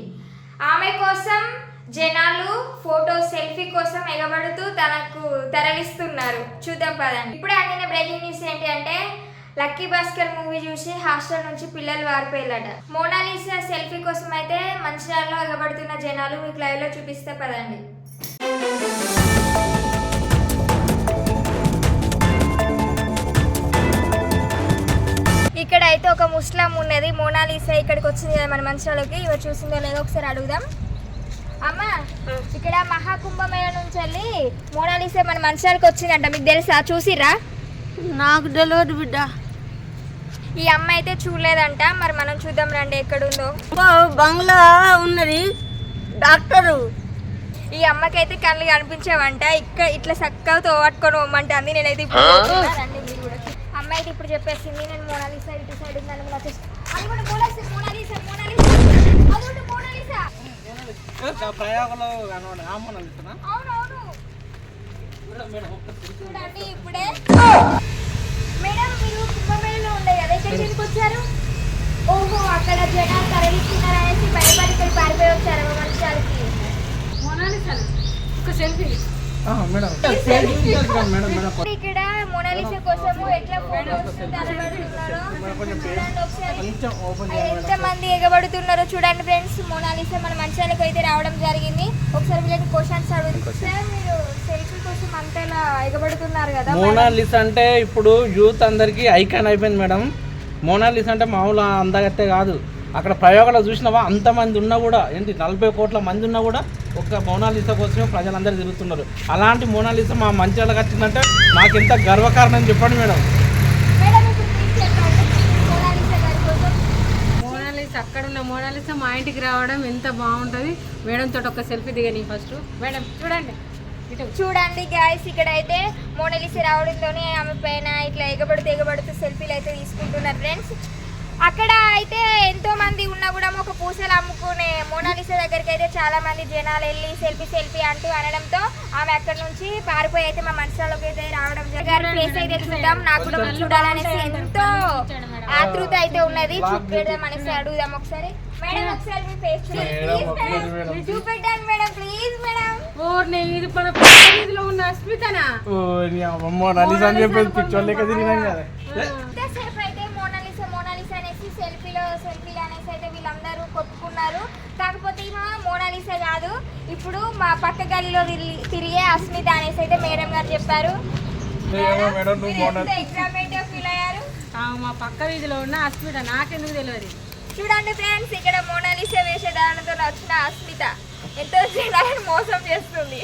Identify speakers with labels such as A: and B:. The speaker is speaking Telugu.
A: ఆమె కోసం జనాలు ఫోటో సెల్ఫీ కోసం ఎగబడుతూ తనకు తరలిస్తున్నారు. చూద్దాం పదండి. ఇప్పుడే అందిన బ్రేకింగ్ న్యూస్ ఏంటి అంటే లక్కీ భాస్కర్ మూవీ చూసి హాస్టల్ నుంచి పిల్లలు వారిపోయారట. మోనాలిసా సెల్ఫీ కోసం అయితే మంచిర్యాలలో ఎగబడుతున్న జనాలు మీకు లైవ్ లో చూపిస్తే పదండి. ఇక్కడ అయితే ఒక ముస్లిం ఉన్నది. మోనాలిసా ఇక్కడికి వచ్చింది కదా మన మంచిర్యాలకి. ఇవి చూసిందో లేదో ఒకసారి అడుగుదాం. అమ్మ, ఇక్కడ మహాకుంభమేళ నుంచి వెళ్ళి మోనాలిసా మన మంచిర్యాలకి వచ్చిందంట. మీకు తెలుసా? చూసిర్రా?
B: నాకు తెలియదు బిడ్డ.
A: ఈ అమ్మ అయితే చూడలేదంట. మరి మనం చూద్దాం రండి ఎక్కడుందో.
B: బంగ్లా ఉన్నది డాక్టరు.
A: ఈ అమ్మకైతే కళ్ళు కనిపించావంట. ఇక్కడ ఇట్లా చక్కగా తోవట్టుకొని పోమంటే అంది. నేనైతే ఇప్పుడు రండి మీరు కూడా. అమ్మ అయితే ఇప్పుడు చెప్పేసింది నేను మోనాలిసా ఇటు సైడ్ ఉందని మోనాలిసా మోనాలిసా
C: ప్రయోగంలో
A: అవునవును చూడండి ఇప్పుడే. మేడం మీరు కుంభమేళలో ఉండే కదా, ఇక్కడ ఎందుకు వచ్చారు? ఓహో, అక్కడ జనాలు తరలిస్తున్నారు అనేసి భయపడి ఇక్కడ పారిపోయి వచ్చారు మంచిర్యాలకి. ఇక్కడ మోనాలిసా కోసము ఎట్లా ఫోటోస్ ఎంత మంది ఎగబడుతున్నారో చూడండి ఫ్రెండ్స్. మోనాలిసా మన మంచిర్యాలకు అయితే రావడం జరిగింది. ఒకసారి వీళ్ళని క్వశ్చన్స్ అడుగుతారు. మీరు సెల్ఫీ కోసం అంతలా ఎగబడుతున్నారు కదా.
C: మోనాలిసా అంటే ఇప్పుడు యూత్ అందరికి ఐకాన్ అయిపోయింది మేడం. మోనాలిసా అంటే మామూలు అందగత్తే కాదు. అక్కడ ప్రయోగాలు చూసినావా, అంతమంది ఉన్నా కూడా ఏంటి 40 కోట్ల మంది ఉన్నా కూడా ఒక్క మోనాలిసా కోసమే ప్రజలందరూ తిరుగుతున్నారు. అలాంటి మోనాలిసా మా మంచిర్యాలకు వచ్చిందంటే మాకు ఎంత గర్వకారణం చెప్పండి మేడం.
B: మోనాలిసా అక్కడ ఉన్న మోనాలిసా మా ఇంటికి రావడం ఎంత బాగుంటుంది. మేడం తోటి ఒక సెల్ఫీ దిగని ఫస్ట్. మేడం చూడండి
A: చూడండి గాయస్, ఇక్కడ అయితే మోనాలిసా రావడంతోనే ఆమె పైన ఇట్లా ఎగబడుతూ సెల్ఫీలు అయితే తీసుకుంటున్నారు ఫ్రెండ్స్. అక్కడ అయితే ఎంతో మంది ఉన్నా కూడా ఒక పూసలు అమ్ముకునే మోనాలిసా దగ్గరికి అయితే చాలా మంది జనాలు వెళ్ళి సెల్ఫీ అంటూ అనడంతో ఆమె అక్కడ నుంచి పారిపోయి అయితే మా మంచిర్యాలలోకి అయితే రావడం జరిగింది. ఫేస్ అయితే చూద్దాం. నాకు కూడా చూడాలనేసి ఎంతో ఆతృత అయితే ఉన్నది. చూపెడదాం అనేసి అడుగుదాం ఒకసారి. మేడం ఒకసారి మీ ఫేస్ చూపెట్టాను మేడం, ప్లీజ్ మేడం.
B: ఇది మన ఉన్న అస్మితనా?
C: మోనాలిసా అని చెప్పేసి పిక్చర్ లెక్క తిరిగినాం కదా.
A: ఇంతసేపు అయితే మోనాలిసా అనేసి సెల్ఫీలు అనేసి అయితే వీళ్ళందరూ కొట్టుకున్నారు. కాకపోతే మోనాలిసా కాదు, ఇప్పుడు మా పక్క గల్లీలో తిరిగే అస్మిత అనేసి అయితే మేడం గారు చెప్పారు. ఎగ్జామెంట్ ఫీల్ అయ్యారు.
B: మా పక్క వీధిలో ఉన్న అస్మిత, నాకెందుకు తెలియదు.
A: చూడండి ఫ్రెండ్స్, ఇక్కడ మోనాలిసా వేషధారణతో వచ్చిన అస్మిత ఎంతో జనాలను మోసం చేస్తుంది.